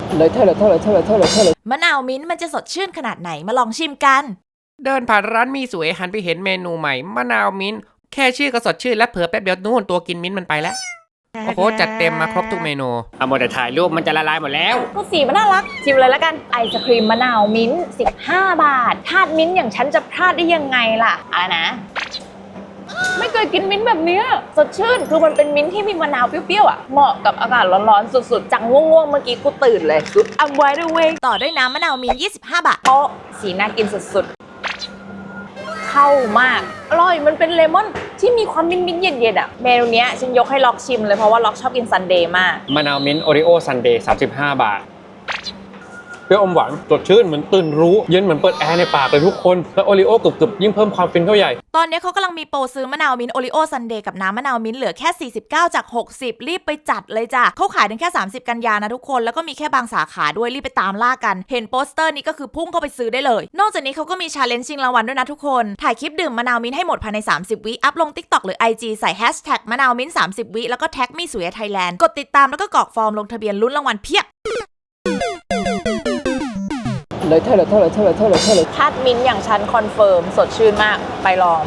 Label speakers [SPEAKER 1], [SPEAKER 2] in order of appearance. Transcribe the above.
[SPEAKER 1] มะนาวมิ้นท์มันจะสดชื่นขนาดไหนมาลองชิมกัน
[SPEAKER 2] เดินผ่านร้านมีสวยหันไปเห็นเมนูใหม่มะนาวมิ้นท์แค่ชื่อก็สดชื่นและเผลอแป๊บเดียวนู่นตัวกินมิ้นท์มันไปแล้วโอ้โหจัดเต็มมาครบทุกเมนูเอาหมดแต่ถ่ายรูปมันจะละลายหมดแล้ว
[SPEAKER 3] ก็สีมันน่ารักชิมเลยแล้วกันไอศครีมมะนาวมิ้นท์15 บาททาดมิ้นท์อย่างฉันจะพลาดได้ยังไงล่ะอะไรนะ ไม่เคยกินมิ้นท์แบบเนี้ยสดชื่นคือมันเป็นมิ้นท์ที่มีมะนาวเปรี้ยวๆอ่ะเหมาะกับอากาศร้อนๆสุดๆจังง่วงๆเมื่อกี้กูตื่นเลยอัมไว้ด้วยเว้ย
[SPEAKER 1] ต่อด้วยน้ำมะนาวมิ้นท์25 บาท
[SPEAKER 3] โต๊ะสีน่ากินสุดๆเข้ามากอร่อยมันเป็นเลมอนที่มีความมิ้นๆเย็นๆอ่ะเมนูเนี้ยฉันยกให้ล็อกชิมเลยเพราะว่าล็อกชอบกินซันเดย์มาก
[SPEAKER 4] มะนาวมิ้นท์โอริโอซันเดย์35 บาทเปรี้ยวอมหวานสดชื่นเหมือนตื่นรู้เย็นเหมือนเปิดแอร์ในปากเลยทุกคนแล้วโอริโอกรึบๆยิ่งเพิ่มความฟินเข้าใหญ่
[SPEAKER 1] ตอนนี้เขากำลังมีโปรซื้อมะนาวมิ้นท์โอริโอซันเดย์กับน้ำมะนาวมิ้นท์เหลือแค่49จาก60รีบไปจัดเลยจ้ะเขาขายถึงแค่30กันยานะทุกคนแล้วก็มีแค่บางสาขาด้วยรีบไปตามล่ากันเห็นโปสเตอร์นี้ก็คือพุ่งเข้าไปซื้อได้เลยนอกจากนี้เขาก็มีชาเลนจ์ชิงรางวัลด้วยนะทุกคนถ่ายคลิปดื่มมะนาวมิ้นท์ให้หมดภายใน30วิอัพลง TikTok หรือ IG ใส่แฮชแท็กมะนาวมิ้นท์30วิแล้วก็แท็กมีสวยไทยแลนด์กดติดตามแล้วก็กรอกฟอร์มลงทะเบียนลุ้นรางวัลเพียบ
[SPEAKER 3] ทาดมิ้นท์อย่างฉันคอนเฟิร์มสดชื่นมากไปลอง